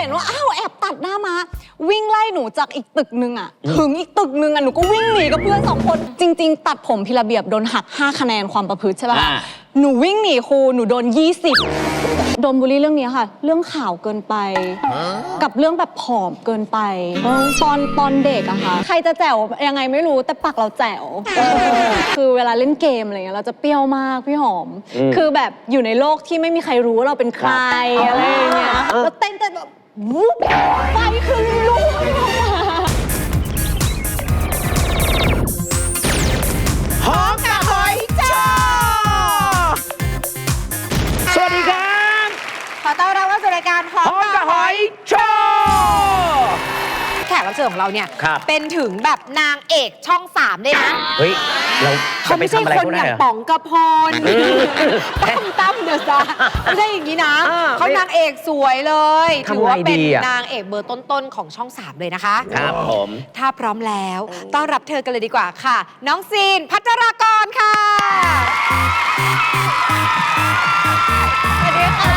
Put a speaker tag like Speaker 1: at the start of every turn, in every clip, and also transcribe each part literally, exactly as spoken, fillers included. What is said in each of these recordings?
Speaker 1: นว่าอ้าวแอบตัดหน้ามาวิ่งไล่หนูจากอีกตึกนึงอ่ะถึงอีกตึกนึงอ่ะหนูก็วิ่งหนีกับเพื่อนสองคนจริงๆตัดผมพิระเบียบโดนหักห้าคะแนนความประพฤติใช่ป่ะหนูวิ่งหนีครูหนูโดนยี่สิบโดนบูลลี่เรื่องนี้ค่ะเรื่องข่าวเกินไปกับเรื่องแบบผอมเกินไปตอนตอนเด็กอะค่ะใครจะแจ๋วยังไงไม่รู้แต่ปากเราแจ๋วคือเวลาเล่นเกมอะไรเงี้ยเราจะเปรี้ยวมากพี่หอมคือแบบอยู่ในโลกที่ไม่มีใครรู้ว่าเราเป็นใครอะไรอย่างเงี้ยแล้วเต้นแต่แบบวุ๊บไฟคือลุก
Speaker 2: หอมกับหอยจ้าสวัสดีครับ
Speaker 3: ขอต้อนรับเข้าสู่รายการหอมกับหอยโชว์แขกรับเชิญของเราเนี่ยเป็นถึงแบบนางเอกช่องสามเลยนะ
Speaker 2: เฮ้ยเรา
Speaker 3: เขาไม่ใช่คนอย่างป๋องกระพรตั้มตั้มเดอะสตาร์ไม่ใช่อย่างนี้นะเขานางเอกสวยเลยถือว่าเป็นนางเอกเบอร์ต้นๆของช่องสามเลยนะคะ
Speaker 2: ครับผม
Speaker 3: ถ้าพร้อมแล้วต้อนรับเธอกันเลยดีกว่าค่ะน้องซีนภัทรากรค่ะ
Speaker 1: สวัสดีค่ะ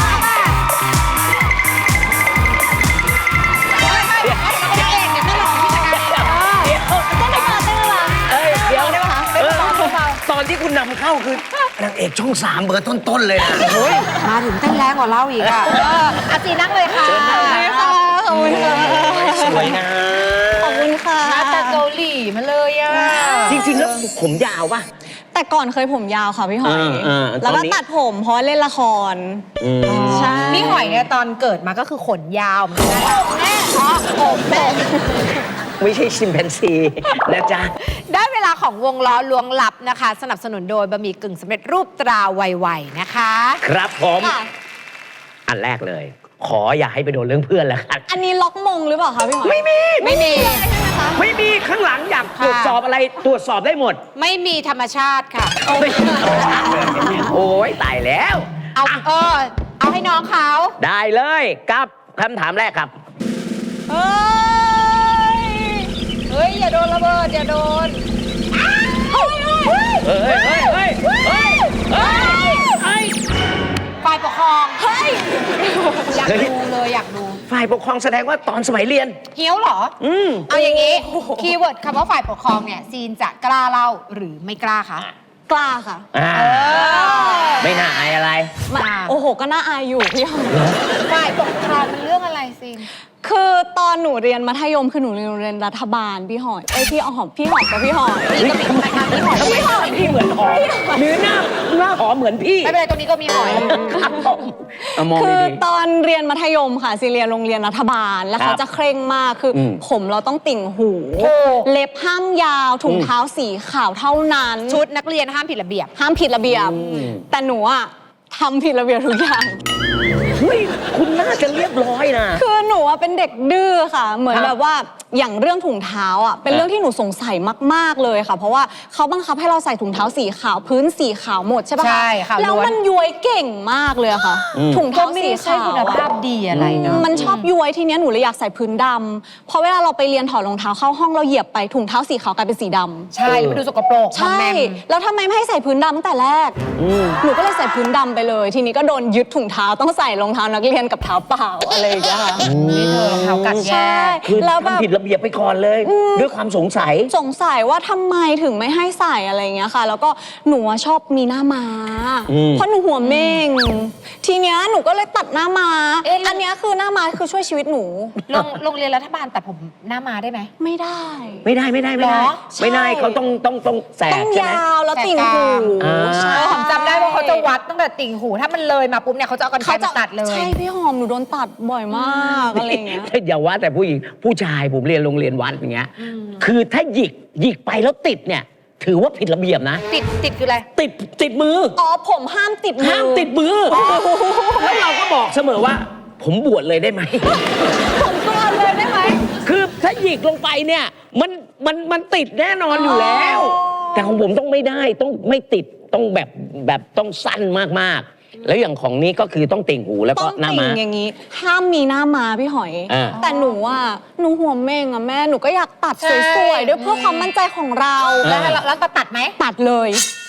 Speaker 2: ตอนที่คุณนำเข้าคือนางเอกช่องสามเบอร์ต้นๆเลยนะ
Speaker 3: โอ้ยมาถึงเต้นแรงกว่าเราอีกอ่ะอาจีนั่งเลยค่ะ
Speaker 1: ขอบคุณค่ะขอบคุณค่ะ
Speaker 2: สวยนะ
Speaker 1: ขอบคุณค่ะ
Speaker 3: มาจากเกาหลีมาเลยอ่ะ
Speaker 2: จริงๆแล้วผมยาวป่ะ
Speaker 1: แต่ก่อนเคยผมยาวค่ะพี่หอยแล้วก็ตัดผมเพราะเล่นละคร
Speaker 3: ใช่พี่หอยเนี่ยตอนเกิดมาก็คือขนยาวเหมือนกันแม่เพราะผมแม่
Speaker 2: ไม่ใช่ชิมแปนซีนะจ๊ะ
Speaker 3: ได้เวลาของวงล้อลวงลับนะคะสนับสนุนโดยบะหมี่กึ่งสำเร็จรูปตราไวๆนะคะ
Speaker 2: ครับผมอันแรกเลยขออย่าให้ไปโดนเรื่องเพื่อนแล้วกัน
Speaker 1: อันนี้ล็อกมงหรือเปล่าคะพี่หอย
Speaker 2: ไม่มี
Speaker 3: ไม่มี
Speaker 2: ไม่มีข้างหลังอยากตรวจสอบอะไรตรวจสอบได้หมด
Speaker 3: ไม่มีธรรมชาติค่ะ
Speaker 2: โอ้ยตายแล้ว
Speaker 3: เอาเออเอาให้น้องเขา
Speaker 2: ได้เลยกับคำถามแรกครับ
Speaker 3: เฮ้ยเฮ้ยอย่าโดนระเบิดอย่าโดน
Speaker 2: เฮ้ยเฮ้ยเฮ้ยเฮ้ยเฮ้ยเฮ้ยเฮ้ย
Speaker 3: ฝ่ายปกครองเฮ้ยอยากดูเลยอยากดู
Speaker 2: ฝ่ายปกครองแสดงว่าตอนสมัยเรียน
Speaker 3: เฮี้ยวเหรออืมเอาอย่างนี้คีย์เวิร์ดคำว่าฝ่ายปกครองเนี่ยซีนจะกล้าเล่าหรือไม่กล้าคะ
Speaker 1: กล้าค่ะ
Speaker 2: ไม่น่าอายอะไร
Speaker 1: โอ้โหก็น่าอายอยู่พี่หอม
Speaker 3: ฝ่ายปกครองมันเรื่องอะไรซีน
Speaker 1: คือตอนหนูเรียนมัธยมคือหนูเรียนโรงเรียนรัฐบาลพี่หอยไอพี่หอมพี่หอมกับพี่หอย
Speaker 3: พี่ก็มีนะคะพี่หอย
Speaker 2: พี่หอยพี่เหมือนหอมหรือหน้าหน้าหอมเหมือนพี่
Speaker 3: ไม่เป็นไรตรงนี้ก็มีหอย
Speaker 1: คือตอนเรียนมัธยมค่ะซีเรียนโรงเรียนรัฐบาลแล้วเขาจะเคร่งมากคือผมเราต้องติ่งหูเล็บห้ามยาวถุงเท้าสีขาวเท่านั้น
Speaker 3: ชุดนักเรียนห้ามผิดระเบียบ
Speaker 1: ห้ามผิดระเบียบแต่หนูอะทำผิดระเบียบทุกอย่าง
Speaker 2: เฮ้ยคุณน่าจะเรียบร้อยนะ
Speaker 1: คือหนูเป็นเด็กดื้อค่ะเหมือนแบบว่าอย่างเรื่องถุงเท้าอ่ะเป็นเรื่องที่หนูสงสัยมากๆเลยค่ะเพราะว่าเขาบังคับให้เราใส่ถุงเท้าสีขาวพื้นสีขาวหมดใช่ปะ
Speaker 3: ใช่ค่ะ
Speaker 1: แล้วมันย้วยเก่งมากเลยค่ะถุงเท้าสีขาว
Speaker 3: คุณภาพดีอะไรเนาะ
Speaker 1: มันชอบย้วยทีเนี้ยหนูเลยอยากใส่พื้นดำเพราะเวลาเราไปเรียนถอดรองเท้าเข้าห้องเราเหยียบไปถุงเท้าสีขาวกลายเป็นสีดำ
Speaker 3: ใช่มันดูสกปรก
Speaker 1: ใช่แล้วทำไมไม่ให้ใส่พื้นดำตั้งแต่แรกหนูก็เลยใส่พื้นดำไปเลยทีนี้ก็โดนยึดถุงเท้าต้องใส่รองเท้านักเรียนกับเท้าเปล่าอะไรอย่างเงี้ยค่ะ
Speaker 3: นี่เธอรองเท้ากัดแย่
Speaker 2: แล้วแบบผิดระเบียบไปก่อนเลยด้วยความสงสัย
Speaker 1: สงสัยว่าทำไมถึงไม่ให้ใส่อะไรอย่างเงี้ยค่ะแล้วก็หนูชอบมีหน้าม้าเพราะหนูหัวเม่งทีเนี้ยหนูก็เลยตัดหน้าม้าอันเนี้ยคือหน้าม้าคือช่วยชีวิตหนู
Speaker 3: โรงเรียนรัฐบาลตัดผมหน้าม้าได้ไหม
Speaker 1: ไม่ได้
Speaker 2: ไม่ได้ไม่ได้ไม่ได้ไม่ได้เขาต้องต้องต้องแสก
Speaker 1: ใช่ไหมต้องยาวแล้วติ่งหู
Speaker 3: ผมจำได้ว่าเขาจะวัดตั้งแต่ติ่งหูถ้ามันเลยมาปุ๊บเนี่ยเขาจะเอากันไกรมาตัดเลย
Speaker 1: ใช่พี่หอมหนูโดนตัดบ่อยมากอะไรเงี้ย
Speaker 2: อย่าว่าแต่ผู้หญิงผู้ชายผมเรียนโรงเรียนวัดอย่างเงี้ยคือถ้าหยิกหยิกไปแล้วติดเนี่ยถือว่าผิดระเบียบนะ
Speaker 3: ติดติดคืออะไร
Speaker 2: ติดติดมือ
Speaker 1: อ๋อผมห้ามติดมือ
Speaker 2: ห้ามติดมือแล้วเราก็บอกเสมอว่าผมบวชเลยได้ไหม
Speaker 1: ผมบวชเลยได้ไหม
Speaker 2: คือถ้าหยิกลงไปเนี่ยมันมันมันติดแน่นอนอยู่แล้วแต่ของผมต้องไม่ได้ต้องไม่ติดต้องแบบแบบต้องสั้นมากๆแล้วอย่างของนี้ก็คือต้องติ่งหูแล้วก็หน้าม้า
Speaker 1: อย่างนี้ห้ามมีหน้าม้าพี่หอยแต่หนูอ่ะหนูหัวเม่งอ่ะแม่หนูก็อยากตัดสวยๆด้วยเพื่อความมั่นใจของเรา
Speaker 3: แล้วแล้วก็ตัดไหม
Speaker 1: ตัดเลย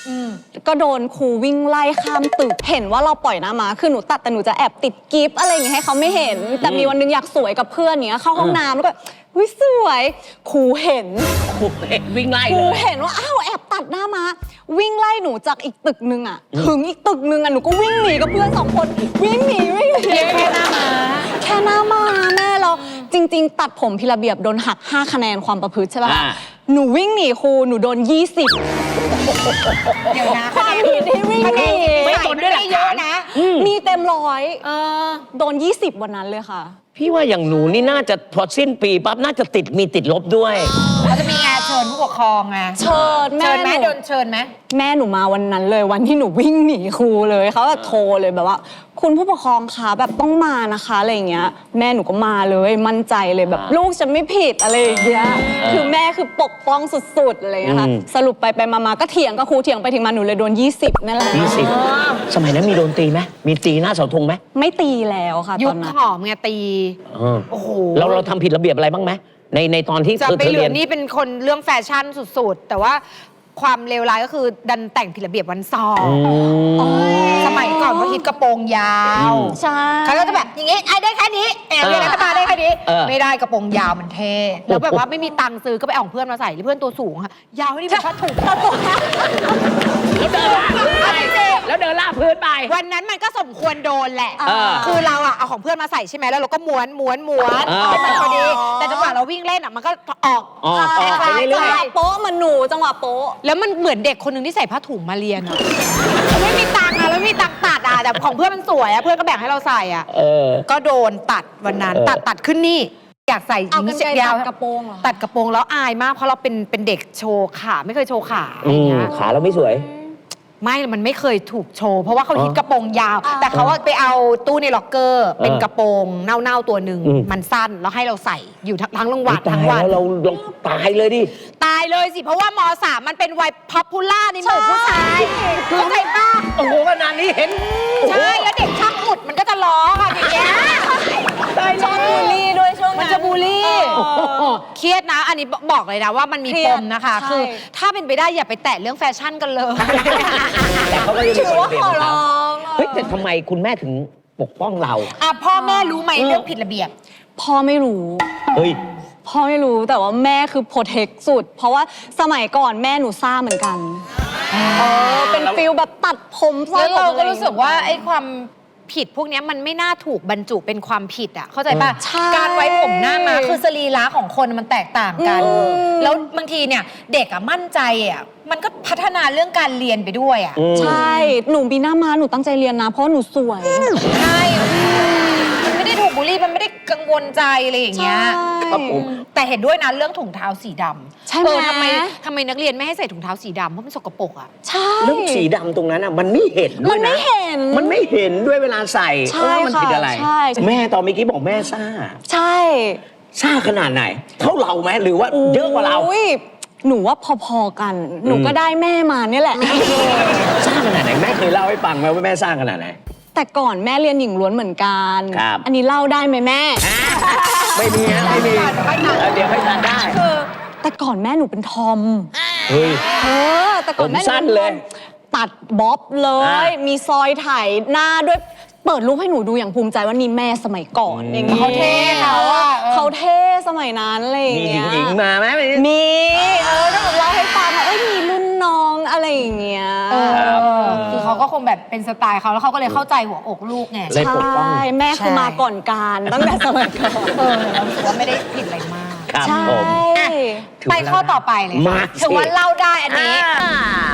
Speaker 1: ก็โดนครูวิ่งไล่ข้ามตึกเห็นว่าเราปล่อยหน้ามาคือหนูตัดแต่หนูจะแอบติดกิฟต์อะไรอย่างเงี้ยให้เขาไม่เห็น แต่มีวันนึงอยากสวยกับเพื่อนเนี้ยเข้าห้องน้ำแล้วก็วิสวยครูเห็น
Speaker 2: ครูเห็นวิ่งไล่
Speaker 1: ครู
Speaker 2: เลย
Speaker 1: เห็นว่าอ้าวแอบตัดหน้ามาวิ่งไล่หนูจากอีกตึกนึงอ่ะถึงอีกตึกนึงอ่ะหนูก็วิ่งหนีกับเพื่อนสองคนวิ่งหนีวิ่งหนี
Speaker 3: แค่หน้ามา
Speaker 1: แค่หน้ามาแม่เราจริง ๆ ตัดผมพิระเบียบโดนหักห้าคะแนนความประพฤติใช่ป่ะ
Speaker 2: อ่า
Speaker 1: หนูวิ่งหนีครูหนูโดนยี่สิบ
Speaker 3: เดี๋ยวนะ
Speaker 1: ความผิดที่วิ่งหนี
Speaker 2: ไม่ตนด้วยหลัก
Speaker 3: เย
Speaker 2: ฐา
Speaker 3: อะ
Speaker 2: น
Speaker 3: นะ
Speaker 1: มีเต็มร้อย
Speaker 3: เออ
Speaker 1: โดนยี่สิบวันนั้นเลยค่ะ
Speaker 2: พี่ว่าอย่างหนูนี่น่าจะพอสิ้นปีปั๊บน่าจะติดมีติดลบด้วย
Speaker 3: เขาจะมีงานเชิญผู้ปกครองไง
Speaker 1: เชิญแม่
Speaker 3: เชิญไหม
Speaker 1: หนู
Speaker 3: โดนเชิญไหม
Speaker 1: แม่หนูมาวันนั้นเลยวันที่หนูวิ่งหนีครูเลยเขาแบบโทรเลยแบบว่า คุณผู้ปกครองคะแบบต้องมานะคะอะไรอย่างเงี้ย แม่หนูก็มาเลยมั่นใจเลยแบบ
Speaker 2: อ่า
Speaker 1: ลูกฉันไม่ผิดอะไรอย่างเงี้ยคือแม่คือปกป้องสุดๆอะไรอย่างเงี้ยค่ะ
Speaker 2: อืม
Speaker 1: สรุปไปไปมาๆก็เถียงกับครูเถียงไปเถียงมาหนูเลยโดนยี่สิบนั่นแหละ
Speaker 2: ยี่สิบสมัยนั้นมีโดนตีไหมมีตีหน้าเสาธงไหม
Speaker 1: ไม่ตีแล้วค่ะ
Speaker 3: ยุ
Speaker 1: ต
Speaker 3: ค
Speaker 1: อนนั้น
Speaker 3: หอมไงตี
Speaker 2: เออ
Speaker 3: โอ้โห
Speaker 2: เราเราทำผิดระเบียบอะไรบ้างไหมในในตอนที่
Speaker 3: จะ
Speaker 2: เธอ
Speaker 3: ไป
Speaker 2: เธอ
Speaker 3: เหลื
Speaker 2: เรีย
Speaker 3: อน นี่เป็นคนเรื่องแฟชั่นสุดๆ แต่ว่าความเลวร้ายก็คือดันแต่งผิดระเบียบวันสอบ
Speaker 2: อืม
Speaker 3: สมัยก่อนเขาฮิตกระโปรงยาว
Speaker 2: อืม
Speaker 1: ใช่
Speaker 3: เขาก็จะแบบอย่างงี้ไอ้ได้แค่นี้แอบเรียนรัฐบาลได้แค่นี้
Speaker 2: เออ
Speaker 3: ไม่ได้กระโปรงยาวมันเท่แล้วแบบว่าไม่มีตังค์ซื้อก็ไปเอาของเพื่อนมาใส่เพื่อนตัวสูงค่ะยาวนี่เป็นผ้าถุง
Speaker 2: แล้วเดินลากพื้นไปแล้วเดินลากพื้นไป
Speaker 3: วันนั้นมันก็สมควรโดนแหละ
Speaker 2: เออ
Speaker 3: คือเราอะเอาของเพื่อนมาใส่ใช่ไหมแล้วเราก็ม้วนม้วนม้วน
Speaker 2: เออ
Speaker 3: ให้มันพอดี แต่จังหวะเราวิ่งเล่นอะมันก็ออก
Speaker 2: ออกออกไปเรื่
Speaker 1: จัง
Speaker 2: อย
Speaker 1: หวะโป๊ะเหมันหนูจังหวะโป๊ะ
Speaker 3: แล้วมันเหมือนเด็กคนหนึ่งที่ใส่ผ้าถุงมาเรียนอะไม่มีตังค์อะแล้วไม่มีตังค์ตัดอะแต่ของเพื่อนมันสวยอะเพื่อนก็แบ่งให้เราใส่อะ
Speaker 2: ๆเออ
Speaker 3: ก็โดนตัดวันนั้น
Speaker 2: เออ
Speaker 3: ตัดตัดขึ้นนี่ อยากใส่ห
Speaker 1: เอา
Speaker 3: ญิง
Speaker 1: กันไกล
Speaker 3: ยาว
Speaker 1: ตัดกระโปรงเหรอ
Speaker 3: ตัดกระโปรงแล้วอายมากเพราะเราเป็นเป็นเด็กโชว์ขาไม่เคยโชว์ขาอะไร
Speaker 2: อื
Speaker 3: อย่าง
Speaker 2: ม
Speaker 3: เงี้ย
Speaker 2: ขาเราไม่สวย
Speaker 3: ไม่ มันไม่เคยถูกโชว์ เพราะว่าเขา
Speaker 2: อ๋อ
Speaker 3: ฮิตกระโปรงยาว
Speaker 1: อ่า
Speaker 3: แต่เขาว่าไปเอาตู้ในล็อกเกอร์ เป็นกระโปรงเน่าๆตัวหนึ่ง
Speaker 2: อืม
Speaker 3: มันสั้น แล้วให้เราใส่อยู่ทั้งทั้งรางวัล
Speaker 2: ตา
Speaker 3: ทั้
Speaker 2: ย
Speaker 3: งวัน
Speaker 2: แล้วเราเราตายเลยดิ
Speaker 3: ตายเลยสิ เพราะว่ามสามมันเป็นวัยพ็อปปูล่าในหมู่ผู้ชายเข้าใจป่ะ
Speaker 2: โอ้โหขนาดนี้เห็น
Speaker 3: ใช่ แล้วเด็กช่างอุดมันก็จะล้อค่ะอย่างเงี้ย
Speaker 1: ชอบบูลลี่ด้วยช่วง
Speaker 3: มัน
Speaker 1: นั้น
Speaker 3: จะบูลลี่
Speaker 1: เออ
Speaker 3: เครียดนะ อันนี้บอกเลยนะว่ามันมี
Speaker 1: เครี
Speaker 3: ป
Speaker 1: ยด
Speaker 3: มนะคะ
Speaker 1: ใช่
Speaker 3: คือถ้าเป็นไปได้อย่าไปแตะเรื่องแฟชั่นกันเลย
Speaker 2: แต่เขาก็ยังมี
Speaker 1: ถือ
Speaker 2: คน
Speaker 1: ว่า
Speaker 2: เปลี่ยน
Speaker 1: ขอ
Speaker 2: ของ
Speaker 1: ร้
Speaker 2: เขา
Speaker 1: อง
Speaker 2: เฮ้ยแต่ทำไมคุณแม่ถึงปกป้องเรา
Speaker 3: อ่ะพ่อแม่รู้ไหมเรื่องผิดระเบียบ
Speaker 1: พ่อไม่รู้
Speaker 2: เฮ้ย
Speaker 1: พ่อไม่รู้แต่ว่าแม่คือโปรเทคสุด เพราะว่าสมัยก่อนแม่หนูซ่าเหมือนกันเออเป็นฟิลแบบตัดผมซอย
Speaker 3: แล้วเรา
Speaker 1: ผม
Speaker 3: ก็
Speaker 1: อะไอย่งงี้ย
Speaker 3: รู้สึกว่าไอ้ความผิดพวกเนี้ยมันไม่น่าถูกบรรจุเป็นความผิดอ่ะเข้าใจป่ะ
Speaker 1: ใช่
Speaker 3: การไว้ผมหน้ามาคือสรีระของคนมันแตกต่างกัน
Speaker 1: อืม
Speaker 3: แล้วบางทีเนี่ยเด็กอ่ะมั่นใจอ่ะมันก็พัฒนาเรื่องการเรียนไปด้วยอ่ะ
Speaker 1: ใช่หนูบีหน้ามาหนูตั้งใจเรียนนะ เพราะหนูสวย
Speaker 3: ใช่มันไม่ได้ถูกบูลลี่มันไม่ได้กังวลใจอะไรอย่างเงี้ย
Speaker 2: ครับผม
Speaker 3: แต่เห็นด้วยนะเรื่องถุงเท้าสีดำ
Speaker 1: ใช่ไหม
Speaker 3: เออทำไมทำไมนักเรียนไม่ให้ใส่ถุงเท้าสีดำเพราะมันสกปรกอ่ะ
Speaker 1: ใช่
Speaker 2: เรื่องสีดำตรงนั้นอ่ะมันไม่เห็นด้
Speaker 1: มั
Speaker 2: วย
Speaker 1: น
Speaker 2: นะ
Speaker 1: ไม่เห็น
Speaker 2: มันไม่เห็นด้วยเวลาใส่
Speaker 1: ใช่
Speaker 2: เออมันผิดอะไร
Speaker 1: ค่ะใช่
Speaker 2: แม่ตอนเมื่อกี้บอกแม่ซ่า
Speaker 1: ใช่
Speaker 2: ซ่าขนาดไหน เท่าเราไหมหรือว่าเยอะกว่าเรา
Speaker 1: อุ๊ยหนูว่าพอๆกัน หนูก็ได้แม่มาเนี่ยแหละ
Speaker 2: ซ่าขนาดไหนแม่เคยเล่าให้ฟังไหมว่าแม่ซ่าขนาดไหน
Speaker 1: แต่ก่อนแม่เรียนหญิงล้วนเหมือนกัน
Speaker 2: ครับ
Speaker 1: อันนี้เล่าได้ไหมแม่
Speaker 2: ไม่มีนะไม่มีเออเดี๋ยวให้ตัดได้
Speaker 1: คือแต่ก่อนแม่หนูเป็นทอม
Speaker 2: เฮ้ย
Speaker 1: เออ แต่ก่อนแม่ห
Speaker 2: ผมสั้น
Speaker 1: ป็ทอม
Speaker 2: เลย
Speaker 1: ตัดบ๊อบเลย
Speaker 2: อ่ะ
Speaker 1: มีซอยถ่ายหน้าด้วย เปิดรูปให้หนูดูอย่างภูมิใจว่านี่แม่สมัยก่อน
Speaker 2: อืม
Speaker 1: อย่างงี้
Speaker 3: เขาเท่เขาอะ
Speaker 1: เขาเท่สมัยนั้นอะไรอย่าง
Speaker 2: มี
Speaker 1: เงี้ย
Speaker 2: หญิงๆมาไหม
Speaker 1: มี เออถ้าแบบเล่าให้ฟังว่าเอ้ยมีรุ่นน้องอะไรอย่างเงี้ย
Speaker 3: เออคือเขาก็คงแบบเป็นสไตล์เขาแล้วเขาก็เลยเข้าใจหัวอกลูกไง
Speaker 2: เลยปกป้อง
Speaker 1: ใช่แม่คือ
Speaker 3: ใช่
Speaker 1: มาก่อนการตั้งแต่สมัยก่อน
Speaker 3: เออเราถือว่าไม่ได้ผิดอะไรมาก
Speaker 2: ครับ
Speaker 1: ใช่
Speaker 2: ผม
Speaker 3: ไปข้อต่อไปเลย
Speaker 2: มา
Speaker 3: ค่ะถือว่าเล่าได้อันนี้
Speaker 2: อ่า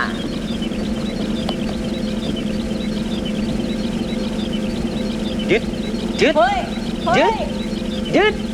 Speaker 2: ยึดยึด
Speaker 1: เฮ้ยเฮ้
Speaker 2: ยึ
Speaker 1: ย
Speaker 2: ดยึด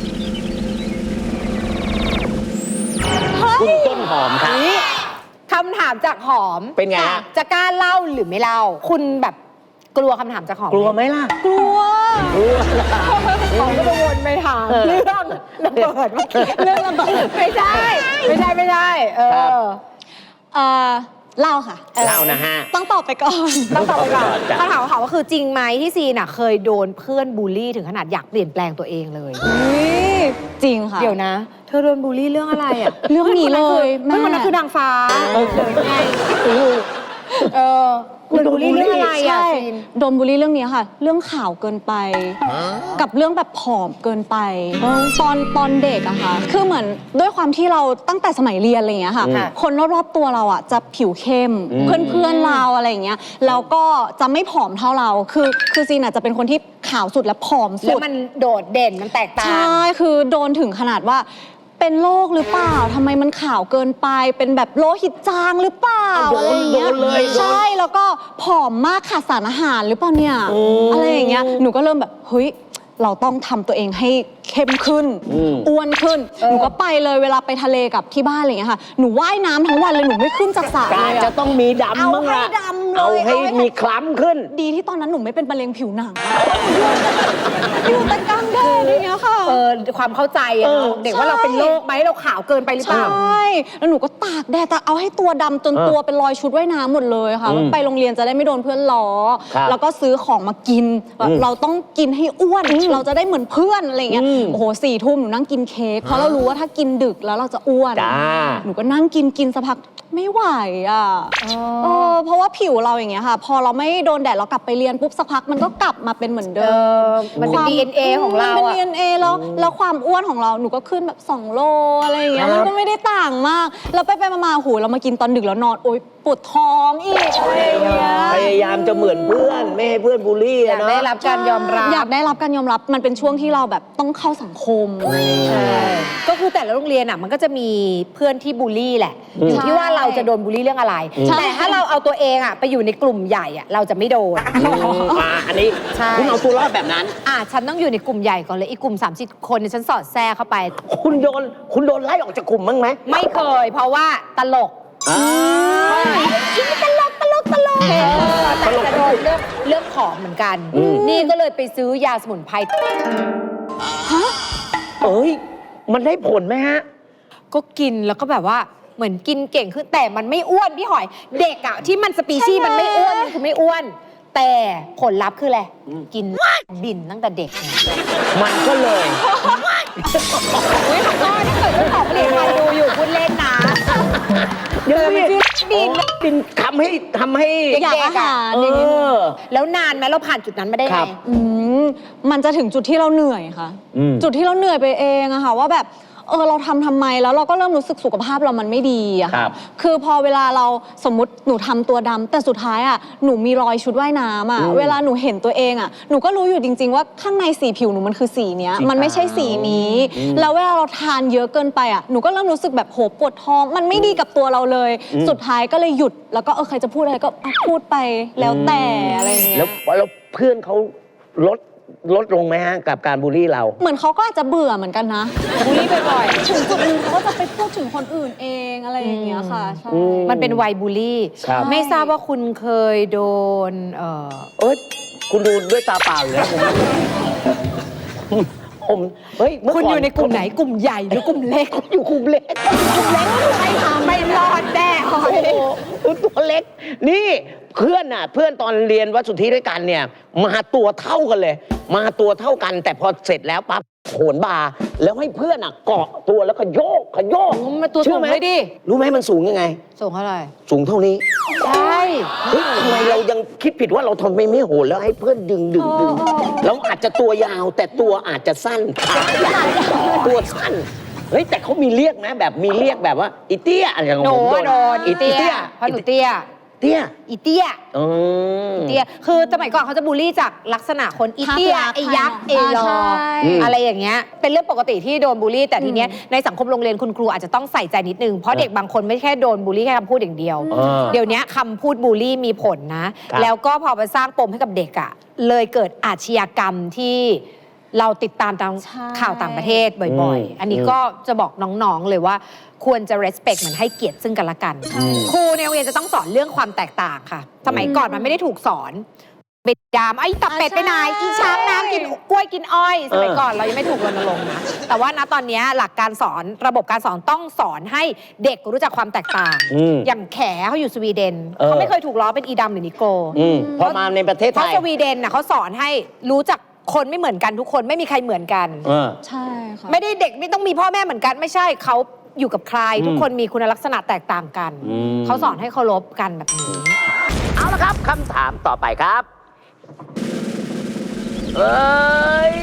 Speaker 1: เฮ้
Speaker 2: คุณ
Speaker 1: ย
Speaker 2: ต้นหอมครับ
Speaker 3: คำถามจากหอม
Speaker 2: เป็นไงฮะ
Speaker 3: จะกล้าเล่าหรือไม่เล่า คุณแบบกลัวคำถามจากหอม
Speaker 2: กลัวไหมล่ะ
Speaker 1: กลัว
Speaker 2: กลัว
Speaker 3: หอมก็จะวนไปถามเรื่องระเบิดเมื่อกี้เรื่องระเบิดไม่ใช่ ไม่ใช่ไม่ใช่เอ
Speaker 2: ครับ
Speaker 3: อ
Speaker 1: เอ่อเล่าค่ะ
Speaker 2: เล่านะฮะ
Speaker 1: ต้องตอบไปก่อน
Speaker 3: ต้องตอบไปก่อน
Speaker 2: จ้ะ
Speaker 3: คำถามของเขาก็คือจริงไหมที่ซีน่ะเคยโดนเพื่อนบูลลี่ถึงขนาดอยากเปลี่ยนแปลงตัวเองเลย
Speaker 1: อุ๊ยจริงค่ะ
Speaker 3: เดี๋ยวนะ เธอโดนบูลลี่เรื่องอะไรอ่ะ
Speaker 1: เรื่องนี้เลย
Speaker 3: เพื่อนคนนั้นคือ
Speaker 1: แม่
Speaker 3: เพื่อนคนนั้นคือนางฟ้า
Speaker 2: เออ
Speaker 3: หรือไงเออโดนบูลลี่เรื่องอะไรอ่ะ
Speaker 1: ใช่
Speaker 3: ซีน
Speaker 1: โดนบูลลี่เรื่องนี้ค่ะ เรื่องข่าวเกินไป กับเรื่องแบบผอมเกินไป ตอนตอนเด็กอะค่ะ คือเหมือนด้วยความที่เราตั้งแต่สมัยเรียนอะไรอย่างเงี้ยค่ะ
Speaker 3: ค่ะ
Speaker 1: คนรอบๆตัวเราอะจะผิวเข้ม
Speaker 2: อืม
Speaker 1: เพื่อนๆเราอะไรอย่างเงี้ย แล้วก็จะไม่ผอมเท่าเรา คือคือซีนอะจะเป็นคนที่ขาวสุดและผอมสุ
Speaker 3: แล้ว
Speaker 1: ด
Speaker 3: มันโดดเด่นมันแตกต่าง
Speaker 1: ใช่ คือโดนถึงขนาดว่าเป็นโรคหรือเปล่า ทำไมมันขาวเกินไป เป็นแบบโลหิตจางหรือเปล่า
Speaker 2: โดน
Speaker 1: อะไรอย่างเงี้ย
Speaker 2: โดนเลยโดน
Speaker 1: ใช่ แล้วก็ผอมมากขาดสารอาหารหรือเปล่าเนี่ย
Speaker 2: อืม
Speaker 1: อะไรอย่างเงี้ย หนูก็เริ่มแบบ เฮ้ย เราต้องทำตัวเองให้เข้มขึ้น
Speaker 2: อืม
Speaker 1: อ้วนขึ้น
Speaker 3: เออ
Speaker 1: หนูก็ไปเลยเวลาไปทะเลกับที่บ้านอะไรอย่างเงี้ยค่ะ หนูว่ายน้ำทั้งวันเลย หนูไม่ขึ้นจากสระ
Speaker 2: กา
Speaker 1: เลย
Speaker 2: จะ
Speaker 1: อะ
Speaker 2: ต้องมีดำ
Speaker 1: เอา
Speaker 2: บ้าง
Speaker 1: ให้
Speaker 2: ละ
Speaker 1: ดำเลย
Speaker 2: เอาให้
Speaker 1: เอาให้
Speaker 2: มีคล้ำขึ้น
Speaker 1: ดีที่ตอนนั้นหนูไม่เป็นมะเร็งผิวหนัง อยู่แต่กลางแดดอย่างเงี้ยค่ะ
Speaker 3: เออความเข้าใจอะเนาะ
Speaker 2: เออ
Speaker 3: เด็กว่าเราเป็นโรคไหมเราขาวเกินไปหรือเป
Speaker 1: ใช่
Speaker 3: ล่า
Speaker 1: แล้วหนูก็ตากแดดตากเอาให้ตัวดำจน
Speaker 2: เออ
Speaker 1: ตัวเป็นรอยชุดว่ายน้ำหมดเลยค่ะ
Speaker 2: อืม
Speaker 1: ไปโรงเรียนจะได้ไม่โดนเพื่อนล้อ
Speaker 2: ครับ
Speaker 1: แล้วก็ซื้อของมากินแบบ
Speaker 2: อืม
Speaker 1: เราต้องกินให้อ้วน เราจะได้เหมือนเพื่อนอะไรเงี้ย
Speaker 2: อืม
Speaker 1: โอ้โหสี่ทุ่มหนูนั่งกินเค้ก เพราะเรารู้ว่าถ้ากินดึกแล้วเราจะอ้วน
Speaker 2: จ้า
Speaker 1: หนูก็นั่งกินกินสักพักไม่ไหวอ่ะเออเพราะว่าผิวเราอย่างเงี้ยค่ะ พอเราไม่โดนแดดเรากลับไปเรียนปุ๊บสักพักมันก็กลับมาเป็นเหมือน
Speaker 3: เอ
Speaker 1: เดิม
Speaker 3: อ มันเป็น
Speaker 1: ควา
Speaker 3: ดี เอ็น เอ ของเรา
Speaker 1: เป็น
Speaker 3: อะ
Speaker 1: ดี เอ็น เอ แล้วแล้วความอ้วนของเราหนูก็ขึ้นแบบสองโลอะไรอย่างเงี้ย
Speaker 2: ครับ
Speaker 1: มันก็ไม่ได้ต่างมาก แล้วไปไปๆมาๆหูเรามากินตอนดึกแล้วนอนโอ๊ยปวดท้องอีกอะไรอย่างเงี้ย
Speaker 2: พยายามจะเหมือนเพื่อน ไม่ให้เพื่อนบูลลี่
Speaker 3: อยา
Speaker 2: อะ
Speaker 3: ก
Speaker 2: เนาะ
Speaker 3: ได้รับการยอมรับ
Speaker 1: อยากได้รับการยอมรับมันเป็นช่วงที่เราแบบต้องเข้าสังคม
Speaker 3: ใช่ก็คือแต่ละโรงเรียนอ่ะมันก็จะมีเพื่อนที่บูลลี่แหละ
Speaker 2: อืม
Speaker 3: อยู่ที่ว่าเราจะโดนบูลลี่เรื่องอะไร
Speaker 1: ใช่
Speaker 3: แต่ถ้าเราเอาตัวเองอ่ะไปอยู่ในกลุ่มใหญ่อ่ะเราจะไม่โดน
Speaker 2: อืมอ่าอันนี้
Speaker 3: ใช่
Speaker 2: คุณเอาตัวรอดแบบนั้น
Speaker 3: อ่ะฉันต้องอยู่ในกลุ่มใหญ่ก่อนเลยอีกกลุ่มสามสิบคนเนี่ยฉันสอดแทรกเข้าไป
Speaker 2: คุณโดน คุณโดนไล่ออกจากกลุ่มบ้างไหม
Speaker 3: ไม่เคย เพราะว่าตลก
Speaker 2: อ่า
Speaker 3: อินตลกตลกตลกเออแต่จะโดนเรื่องเรื่องของเหมือนกัน
Speaker 2: อืม
Speaker 3: นี่ก็เลยไปซื้อยาสมุนไพร
Speaker 2: เอ้ย มันได้ผลไหมฮะ
Speaker 3: ก็กินแล้วก็แบบว่าเหมือนกินเก่งขึ้นแต่มันไม่อ้วนพี่หอย เด็กอะที่มันสปีชีส์มันไม่อ้วนมันคือไม่อ้วน แต่ผลลัพธ์คืออะไรกินบินตั้งแต่เด็กไง
Speaker 2: มันก็เลย
Speaker 3: อุ้ยขอโทษถ้าเกิดเจ้าของผลิตภัณฑ์ดูอยู่พูดเล่นนะ
Speaker 2: เดี๋ยว
Speaker 3: มันชื่อบิน
Speaker 2: บินทำให้ทำให้
Speaker 1: อยากอาหาร
Speaker 2: เอ
Speaker 1: อย่างเงี้ย
Speaker 2: อ
Speaker 3: แล้วนานไหมเราผ่านจุดนั้นมาได้
Speaker 2: ครั
Speaker 3: ไง
Speaker 2: บ
Speaker 1: อืมมันจะถึงจุดที่เราเหนื่อยค่ะ
Speaker 2: อืม
Speaker 1: จุดที่เราเหนื่อยไปเองอะค่ะว่าแบบเออเราทำทำไมแล้วเราก็เริ่มรู้สึกสุขภาพเรามันไม่ดีอะ
Speaker 2: ครั
Speaker 1: ค่ะ
Speaker 2: บ
Speaker 1: คือพอเวลาเราสมมติหนูทำตัวดำแต่สุดท้ายอะหนูมีรอยชุดว่ายน้ำอะ
Speaker 2: อืม
Speaker 1: เวลาหนูเห็นตัวเองอะหนูก็รู้อยู่จริง ๆ ว่าข้างในสีผิวหนูมันคือสีเนี้ย
Speaker 2: สี
Speaker 1: มันไม่ใช่สีนี้
Speaker 2: อืม
Speaker 1: แล้วเวลาเราทานเยอะเกินไปอะหนูก็เริ่มรู้สึกแบบโหปวดท้อง มันไม่ดีกับตัวเราเลย
Speaker 2: อืม
Speaker 1: สุดท้ายก็เลยหยุดแล้วก็เออใครจะพูดอะไรก็อ่ะพูดไปแล้วแต่อะไรอย่างเงี้ย
Speaker 2: แล้วแล้วเพื่อนเขาลดลดลงไหมฮะ กับการบูลลี่เรา
Speaker 1: เหมือนเขาก็อาจจะเบื่อเหมือนกันนะ
Speaker 3: บูลลี่บ่อย
Speaker 1: ถึงจุดหนึงเขาก็จะไปพูดถึงคนอื่นเองอะไรอย่างเงี้ยค่ะใช่
Speaker 2: อื
Speaker 3: ๆมันเป็นวัยบูลลี่
Speaker 2: ครับ
Speaker 3: ไม่ทราบว่าคุณเคยโดนเอ่อ
Speaker 2: เอ้ย คุณดูด้วยตาเปล่าอยู่แล้วผม ผม เฮ้ยเมื่
Speaker 3: คุณ
Speaker 2: ก่
Speaker 3: อยู่ในกลุ่มไหนกลุ่มใหญ่หรือกลุ่มเล็ก
Speaker 2: อยู่กลุ่มเล็ก
Speaker 3: กลุ่มเล็กไม่ทำไม่รอดแน่หอย
Speaker 2: โอ้โหตัวเล็ก นี่เพื่อนน่ะ เพื่อนตอนเรียนวัดสุทธิด้วยกันเนี่ย มาตัวเท่ากันเลย มาตัวเท่ากัน แต่พอเสร็จแล้วปั๊บโขนบาร์แล้วให้เพื่อนอ่ะเกาะตัวแล้วก็โยกขโยก
Speaker 3: มาตัว
Speaker 2: เชื่
Speaker 3: สู
Speaker 2: อง ไหม
Speaker 3: เลยดิ
Speaker 2: รู้ไหมมันสูงยังไง
Speaker 3: ส่งเท่าไหร่
Speaker 2: สูงเท่านี้
Speaker 3: ใช่
Speaker 2: เฮ้ยทำไมเรายังคิดผิดว่าเราทำไมไม่โหนแล้วให้เพื่อนดึงดึงดึงเราอาจจะตัวยาวแต่ตัวอาจจะสั้นขายาวตัวสั้น เฮ้ยแต่เขามีเรียกนะแบบมีเรียกแบบว่าอีเตี้ยอะไรของ
Speaker 3: หนู
Speaker 2: ผม
Speaker 3: อะโดนอีเตี้ยเพราะหนูเตี้ย
Speaker 2: เตี้ย
Speaker 3: อีเตี้ย
Speaker 2: อืม
Speaker 3: เตี้ยคือสมัยก่อนเขาจะบูลลี่จากลักษณะคนอีเตี้ย
Speaker 1: ภาพลักษณ์
Speaker 3: ไอ้ยักษ์ไอ้
Speaker 1: อ่าร
Speaker 3: อ
Speaker 1: ใช่
Speaker 2: อืม
Speaker 3: อะไรอย่างเงี้ยเป็นเรื่องปกติที่โดนบูลลี่แต่ทีเนี้ยในสังคมโรงเรียนคุณครูอาจจะต้องใส่ใจนิดนึงเพราะเด็กบางคนไม่แค่โดนบูลลี่แค่คำพูดอย่างเดียว
Speaker 2: เออ
Speaker 3: เดี๋ยวนี้คำพูดบูลลี่มีผลนะ
Speaker 2: ครับ
Speaker 3: แล้วก็พอไปสร้างปมให้กับเด็กอะเลยเกิดอาชญากรรมที่เราติดตามตาม
Speaker 1: ใช่
Speaker 3: ข่าวต่างประเทศบ่อยๆ อันนี้ก็จะบอกน้องๆเลยว่าควรจะ respect เหมือนให้เกียรติซึ่งกันและกัน ครูในโรงเรียนจะต้องสอนเรื่องความแตกต่างค่ะ สมัยก่อนมันไม่ได้ถูกสอนเบ็ดดามไอ้ตับเป็ดไปไหนอีช้างน้ำกินกล้วยกินอ้อย สมัยก่อนเรายังไม่ถูกรณรงค์นะ แต่ว่าณตอนนี้หลักการสอนระบบการสอนต้องสอนให้เด็กรู้จักความแตกต่าง
Speaker 2: อืม
Speaker 3: อย่างแขเขาอยู่สวีเดน
Speaker 2: เออ
Speaker 3: เขาไม่เคยถูกล้อเป็นอีดำหรือนิโก
Speaker 2: อืมพอมาในประเทศ
Speaker 3: เพ
Speaker 2: ไท
Speaker 3: ราะ
Speaker 2: ย
Speaker 3: สวีเดนน่ะเขาสอนให้รู้จักคนไม่เหมือนกันทุกคนไม่มีใครเหมือนกัน
Speaker 2: เออ
Speaker 1: ใช่ค่ะ
Speaker 3: ไม่ได้เด็กไม่ต้องมีพ่อแม่เหมือนกันไม่ใช่เขาอยู่กับใคร
Speaker 2: อืม
Speaker 3: ทุกคนมีคุณลักษณะแตกต่างกัน
Speaker 2: อืม
Speaker 3: เขาสอนให้เคารพกันแบบนี้
Speaker 2: ครับคำถามต่อไปครับเอ้ย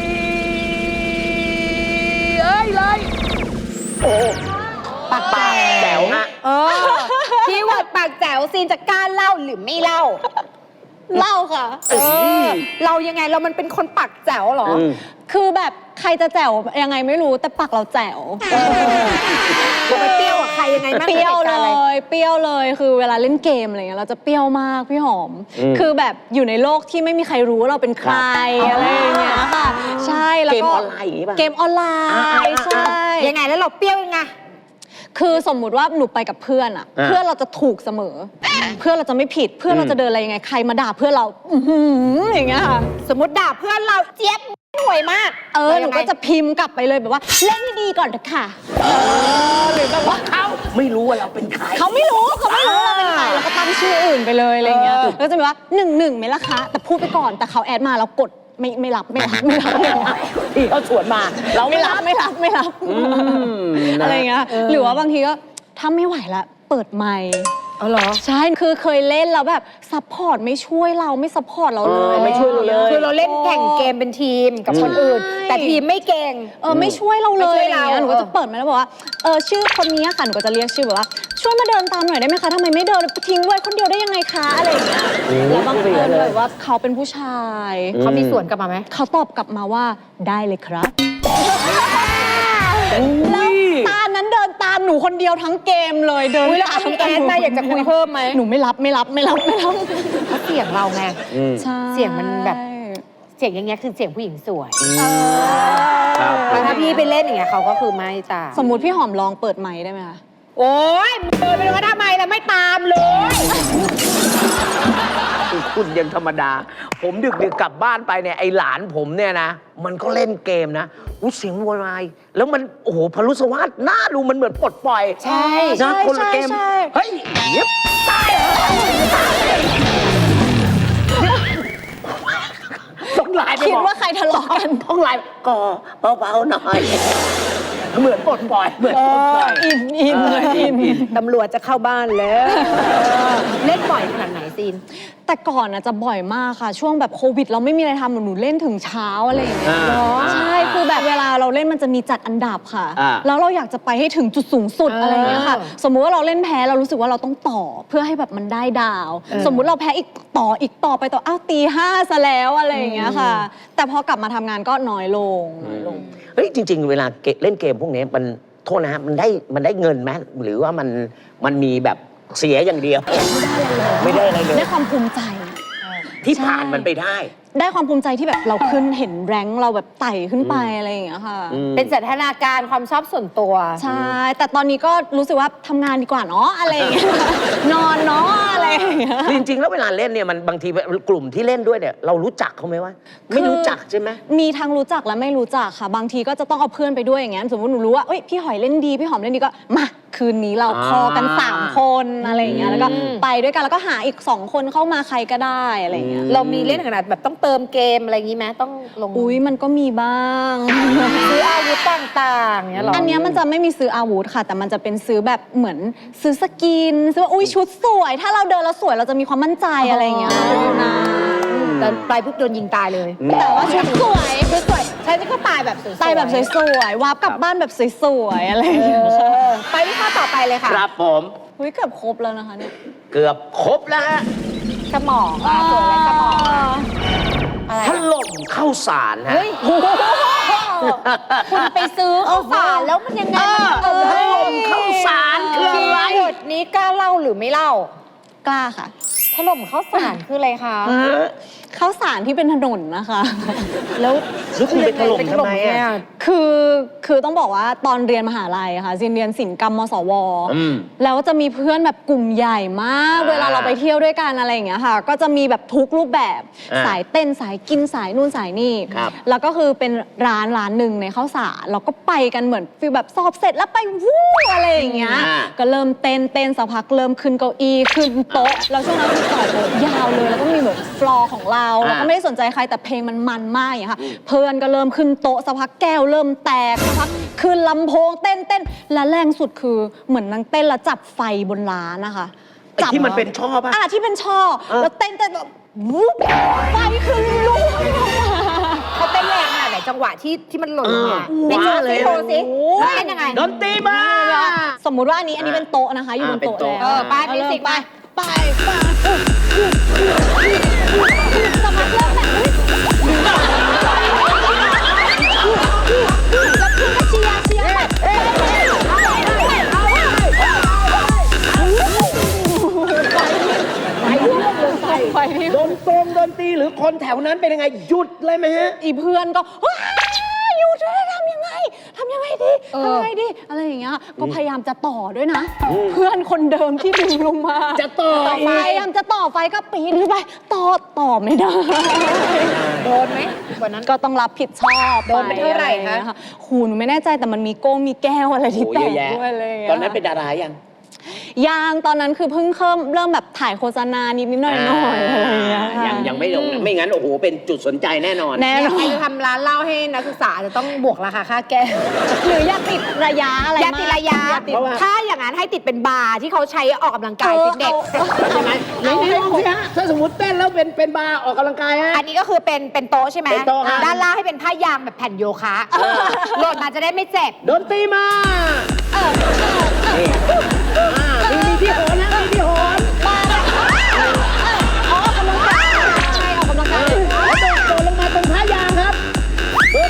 Speaker 2: เอ้ยเลยโอ้
Speaker 3: ปาก
Speaker 2: ปากแจ๋วฮะ
Speaker 3: เออคีย์เวิร์ดปากแจ๋วซีนจะกล้าเล่าหรือไม่เล่า
Speaker 1: เล่าค่ะ
Speaker 3: เออ เรายังไงเรามันเป็นคนปากแจ๋วเหรอ
Speaker 2: อืม
Speaker 1: คือแบบใครจะแจ๋วยังไงไม่รู้แต่ปากเราแจ๋ว
Speaker 3: เราไปเปรี้ยวกับใครยังไงบ้าง
Speaker 1: เปรี้ยว
Speaker 3: หตุ
Speaker 1: เล
Speaker 3: การณ์อะไร
Speaker 1: ย เปรี้ยวเลย คือเวลาเล่นเกมอะไรเงี้ยเราจะเปรี้ยวมากพี่หอม
Speaker 2: อืม
Speaker 1: คือแบบอยู่ในโลกที่ไม่มีใครรู้ว่าเราเป็นใคร
Speaker 2: ครับ
Speaker 1: อะไรอย่างเงี้ยค่ะ ใช่ แล้ว
Speaker 2: เกม
Speaker 1: ก็
Speaker 2: ออนไลน์อย่างงี้ป่ะ
Speaker 1: เกมออนไล
Speaker 2: อ่า
Speaker 1: น์
Speaker 2: ๆๆ
Speaker 1: ใช่
Speaker 3: ยังไงแล้วเราเปรี้ยวยังไง
Speaker 1: คือสมมุติว่าหนูไปกับเพื่อนอะ
Speaker 2: อ่า
Speaker 1: เพื่อนเราจะถูกเสมอ เพื่อนเราจะไม่ผิด เพื่อนเรา
Speaker 2: อืม
Speaker 1: จะเดินอะไรยังไง ใครมาด่าเพื่อนเรา อื้อหืออย่างเงี้ยค่ะ
Speaker 3: สมมติด่าเพื่อนเราเจี๊ยบห่วยมาก
Speaker 1: เออ
Speaker 3: รา
Speaker 1: หนู
Speaker 3: ยังไง
Speaker 1: ก็จะพิมพ์กลับไปเลยแบบว่าเล่นให้ดีก่อนเถอะค่ะ
Speaker 2: หรือแบบว่าเขาไม่รู้ว่าเราเป็นใคร
Speaker 1: เขาไม่รู้เขาไม่รู้เราเป็นใครเราก็ตั้งชื่ออื่นไปเลยอะไรเงี้ย
Speaker 3: เออ
Speaker 1: แล้วก็จะมีว่าหนึ่งหนึ่งไหมล่ะคะ แต่พูดไปก่อนแต่เขาแอดมาเรากดไม่ไม่รับไม่รับไม่รับไม่รับ
Speaker 2: ที่เขาชวนมา เรา
Speaker 1: ไม่รับไม่รับไม่รับ
Speaker 2: อืมน
Speaker 1: อะไรเงี้ยหรือว่าบางทีก็ถ้าไม่ไหวละเปิดไมค์
Speaker 3: เอาเหรอ
Speaker 1: ใช่คือเคยเล่นแล้วแบบซัพพอร์ตไม่ช่วยเราไม่ซัพพอร์ตเราเล
Speaker 2: เอย อไม่ช่วยเราเลย
Speaker 3: คือเราเล่นแข่งเกมเป็นทีมกับคนอื่น
Speaker 1: ใช่
Speaker 3: แต่ทีมไม่เก่ง
Speaker 1: เออไม่ช่วยเราเลย
Speaker 3: ไม่ช่วย
Speaker 1: อะไร
Speaker 3: เรา
Speaker 1: เงี้ยหนูก็จะเปิดมาแล้วบอกว่าเออชื่อคนนี้ค่ะหนูก็จะเรียกชื่อแบบว่าช่วยมาเดินตามหน่อยได้ไหมคะทำไมไม่เดินทิ้งไว้คนเดียวได้ยังไงคะอะไรอย่างเงี้ย
Speaker 2: โอ้
Speaker 1: แล้วบาง
Speaker 2: พูด
Speaker 1: ค
Speaker 2: ไปเย
Speaker 1: น
Speaker 2: อะเลย
Speaker 1: แบบว่าเขาเป็นผู้ชาย
Speaker 2: อืม
Speaker 3: เขามีส่วนกลับมาไหม
Speaker 1: เขาตอบกลับมาว่าได้เลยครับแล้วตานั้นเดินตามหนูคนเดียวทั้งเกมเลยเดิน
Speaker 3: อุ๊ยแล้ว
Speaker 1: ตาม
Speaker 3: มีแอดมาอยากจะคุยเพิ่มไหม
Speaker 1: หนูไม่รับไม่รับไม่รับไม่รับ
Speaker 3: เพราะเสียงเราไง
Speaker 2: อืม
Speaker 1: ใช่
Speaker 3: เสียงมันแบบ เสียงอย่างเงี้ยคือเสียงผู้หญิงสวย
Speaker 1: เออ
Speaker 2: ครับ
Speaker 3: แล้วถ้าพี่ไปเล่นอย่างเงี้ยเขาก็คือไม่ตาม
Speaker 1: สมมุติพี่หอมลองเปิดไมค์ได้ไหมคะ
Speaker 3: โอ๊ยเดินไปดูว่าทำไมแล้วไม่ตามเลย
Speaker 2: คุณยังธรรมดา ผมดึกดึกๆกลับบ้านไปเนี่ยไอหลานผมเนี่ยนะ มันก็เล่นเกมนะอุ้ยเสียงโวยวายแล้วมันโอ้โหพลุสวัสดหน้าดูมันเหมือนปลดปล่อย
Speaker 3: ใช่
Speaker 2: นะคนละเกม
Speaker 1: ใช่
Speaker 2: เฮ้ยเย็บตายเหรอตายเลยต้องไลน์ไป
Speaker 1: คิด
Speaker 2: บอก
Speaker 1: ว่าใครทะเลาะกัน
Speaker 2: ต้องไลน์ก่อเบาๆหน่อย เหมือนปลดปล่อยเหมือนปลดปล่อย
Speaker 1: อินอิน
Speaker 2: เอออิ
Speaker 1: อิ
Speaker 2: น
Speaker 1: น
Speaker 2: อิน
Speaker 3: ตำรวจจะเข้าบ้านแล้วเล่นบ่อยขนาดไหนซีน
Speaker 1: แต่ก่อนน่ะจะบ่อยมากค่ะ ช่วงแบบโควิด เราไม่มีอะไรทำหนูเล่นถึงเช้าอะไรอย่างเงี้ย
Speaker 2: อ่า
Speaker 1: ใช่คือแบบเวลาเราเล่นมันจะมีจัดอันดับค่ะ
Speaker 2: อ่า
Speaker 1: แล้วเราอยากจะไปให้ถึงจุดสูงสุด
Speaker 3: เอออ
Speaker 1: อะไรอย่างเงี้ยค่ะ สมมุติว่าเราเล่นแพ้เรารู้สึกว่าเราต้องต่อเพื่อให้แบบมันได้ดาว
Speaker 3: เออ
Speaker 1: สมมุติเราแพ้อีกต่ออีกต่อไปต่ออ้าวตีห้าซะแล้วอะไรอย่างเงี้ยค่ะ แต่พอกลับมาทำงานก็น้อยลงน้อยลง
Speaker 2: เฮ้ยจริง ๆ เวลาเกเล่นเกมพวกนี้มันโทษนะฮะมันได้มันได้เงินไหมหรือว่ามันมันมีแบบเสียอย่างเดียว ไม่ได้อะไรเลย
Speaker 1: ได้ความภูมิใจ
Speaker 2: ที่ผ่านมันไปได้
Speaker 1: ได้ความภูมิใจที่แบบเราขึ้นเห็นแรงค์เราแบบไต่ขึ้นไปอะไรอย่างเงี้ยค่ะ
Speaker 2: อืม
Speaker 3: เป็นสันทนาการความชอบส่วนตัว
Speaker 1: ใช่ แต่ตอนนี้ก็รู้สึกว่าทำงานดีกว่าเนาะอะไรอย่างเงี้ย นอนเนาะอะไรอย่างเงี้ย
Speaker 2: จริง ๆ แล้วเวลาเล่นเนี่ยมันบางทีกลุ่มที่เล่นด้วยเนี่ยเรารู้จักเขาไหมวะไม่รู้จักใช่ไหม
Speaker 1: มีทั้งรู้จักและไม่รู้จักค่ะ บางทีก็จะต้องเอาเพื่อนไปด้วยอย่างเงี้ยสมมติหนูรู้ว่าเอ้ยพี่หอยเล่นดีพี่หอมเล่นดีก็มาคืนนี้เรา
Speaker 2: อ่า
Speaker 1: คอกันสามคนอะไรอย่างเงี้ยแล้วก็
Speaker 3: อืม
Speaker 1: ไปด้วยกันแล้วก็หาอีกสองคนเข้ามาใครก็ได้อะไรอย่างเงี้ย
Speaker 3: เรามีเล่นขนาดแบบต้องเติมเกมอะไรอย่างงี้ไหมต้องลง
Speaker 1: อุ้ยมันก็มีบ้าง
Speaker 3: ซื้ออาวุธต่างๆเนี้ยหรอ
Speaker 1: อั
Speaker 3: อั
Speaker 1: นเนี้ยมันจะไม่มีซื้ออาวุธค่ะ แต่มันจะเป็นซื้อแบบเหมือนซื้อสกินซื้อว่าอุ้ยชุดสวย ถ้าเราเดินแล้วสวยเราจะมีความมั่นใจอะไรอย่างเงี้ยนะ
Speaker 3: แต่ปลายปุ๊บโดนยิงตายเลย
Speaker 1: แต่ว่าชุดสวย
Speaker 3: คือสวยใช่ก็ตายแบบสวยๆ
Speaker 1: ใส่แบบสวยๆวาร์ปกลับบ้านแบบสวยๆอะไรอย่าง
Speaker 3: เอ
Speaker 1: เงี้ย
Speaker 3: อไปที่ข้อต่อไปเลยค่ะ
Speaker 2: ครับผม
Speaker 1: อุ้ยเกือบครบแล้วนะคะเนี่ย
Speaker 2: เกือบครบแล้วฮะ
Speaker 3: สมองอ่ะสวยและสมองอ่ะอะไร
Speaker 2: ถ
Speaker 3: อ่ะ
Speaker 2: ล่มเข้าสารฮะ
Speaker 3: เฮ้ยคุณไปซื้อข้าวสารแล้วมันยังไงมัน
Speaker 2: เออถล่มเข้าสารคืออะไร
Speaker 3: คีย์เวิร์ดนี้กล้าเล่าหรือไม่เล่าก
Speaker 1: ล้าค่ะ
Speaker 3: ถล่มข้าวสารคืออะไรคะ
Speaker 1: ข้าวสารที่เป็นถนนนะคะ
Speaker 3: แล้ว
Speaker 2: แล้วคุณไปถล่มทำไมอะ
Speaker 3: เนี่ย
Speaker 1: คือคือต้องบอกว่าตอนเรียนมหาลัยอะค่ะซินเรียนศิลปกรรมมสว
Speaker 2: อืม
Speaker 1: แล้วจะมีเพื่อนแบบกลุ่มใหญ่มาก
Speaker 2: อ่า
Speaker 1: เวลาเราไปเที่ยวด้วยกันอะไรอย่างเงี้ยค่ะ ก็จะมีแบบทุกรูปแบบ
Speaker 2: อ่า
Speaker 1: สายเต้นสายกินสายนู่นสายนี่
Speaker 2: ครับ
Speaker 1: แล้วก็คือเป็นร้านร้านหนึ่งในข้าวสารเราก็ไปกันเหมือนฟีลแบบสอบเสร็จแล้วไปวู้อะไรอย่างเงี้ย
Speaker 2: อ่า
Speaker 1: ก็เริ่มเต้นเต้นสักพักเริ่มขึ้นเก้าอี้ขึ้นโต๊ะแล้วช่วงนั้นคือต่อโต๊ะยาวเลยแล้วก็มีเหมือนฟลอร์ของเราเราก็ไม่ได้สนใจใครแต่เพลงมันมันมากอย่างเงี้ยค่ะเพื่อนก็เริ่มขึ้นโต๊ะสักพักแก้วเริ่มแตกสักพักขึ้นลำโพงเต้นเต้นและแรงสุดคือเหมือนนางเต้นแล้วจับไฟบนร้านนะคะจับ
Speaker 2: ที่มันเป็นช่อป่ะ
Speaker 1: อ่ะที่เป็นช่อ
Speaker 2: เออ
Speaker 1: แล้วเต้นเต้นแบบวุ๊บไฟคือลุกออกมา
Speaker 3: เขาเต้นแรงขนาดไหนจังหวะที่ที่มันหล่นลงมา
Speaker 2: เออ
Speaker 3: ไหน
Speaker 2: ว้าเลย
Speaker 3: โชว์สิโชว์สิว่าเต้นยังไง
Speaker 2: ดนตรีมา
Speaker 1: สมมุติว่าอันนี้อันนี้เป็นโต๊ะนะคะ อยู่บนโต๊ะ
Speaker 2: อ่าเป็นโต๊ะ
Speaker 1: แล้ว
Speaker 3: เออไป
Speaker 1: าเริ่
Speaker 3: มิวสิก
Speaker 1: ไป
Speaker 3: มา
Speaker 1: ไปไปสมัครเริ่มแบบแล้วคุณก็เชียร์เชียร์แบบไปที่
Speaker 2: ดนตรงดนตรีหรือคนแถวนั้นเป็นยังไงหยุดเลยไหมฮะ
Speaker 1: อีเพื่อนก็ว้ายหยุดเลยทำยังไงทำยังไงดี
Speaker 3: เออ
Speaker 1: ทำยังไงดีอะไรอย่างเงี้ยก็พยายามจะต่อด้วยนะ เพื่อนคนเดิมที่ดึงลงมา
Speaker 2: จะต่อ
Speaker 1: ไฟ
Speaker 2: อีก
Speaker 1: พยายามจะต่อไฟก็ปีนขึ้นไปต่อต่อไม่ได้
Speaker 3: โดนไหมวันนั้น
Speaker 1: ก็ต้องรับผิดชอบ
Speaker 3: โดนไปเท่าไหร่คะ
Speaker 1: ออย่งงี้ยหูหนูไม่แน่ใจแต่มันมีโก้งมีแก้วอะไรที่
Speaker 2: โอ้
Speaker 1: แต
Speaker 2: เยอะ
Speaker 1: ก
Speaker 2: แยะ
Speaker 1: ด้วยเลย
Speaker 2: ตอนนั้นเป็นดารายัง
Speaker 1: ยางตอนนั้นคือเพิ่งเริ่มเริ่มแบบถ่ายโฆษณานิดนิดๆหน่อยหน่อยๆอะไรอย่างเงี้ยค่ะ
Speaker 2: ยังยังไม่ลงนะไม่งั้นโอ้โหเป็นจุดสนใจแน่นอน
Speaker 1: แน่น
Speaker 3: เนี่ย
Speaker 1: อ
Speaker 3: ใคร
Speaker 1: น
Speaker 3: จะทำร้านเหล้าให้นักศึกษาจะต้องบวกราคาค่าแก้ว
Speaker 1: หรืออย่าติดระยะอะไร
Speaker 3: อย่าติดระยะ
Speaker 1: อย่าติด
Speaker 2: เพราะว่า
Speaker 3: ถ้าอย่างนั้นให้ติดเป็นบาร์ที่เขาใช้ออกกำลังกาย
Speaker 1: เออ
Speaker 3: ฟิตเนส
Speaker 1: เอา
Speaker 3: ใช่ไหม
Speaker 2: ไหนๆลองสิฮะถ้าสมมติเต้นแล้วเป็นเป็นบาร์ออกกำลังกายฮะ
Speaker 3: อันนี้ก็คือเป็นเป็นโต๊ะใช่ไหม
Speaker 2: เป็นโต๊ะฮะ
Speaker 3: ด้านล่างให้เป็นผ้ายางแบบแผ่นโยคะโหลดมาจะได้ไม่เจ็บ
Speaker 2: ดนตรีมานี่อ่ามีมีที่โหนนะมีที่โหน
Speaker 1: ออกกำลังกายออกกำลังกาย
Speaker 2: แล้วโดดโดดลงมาตรงท้ายางครับปึ๊บ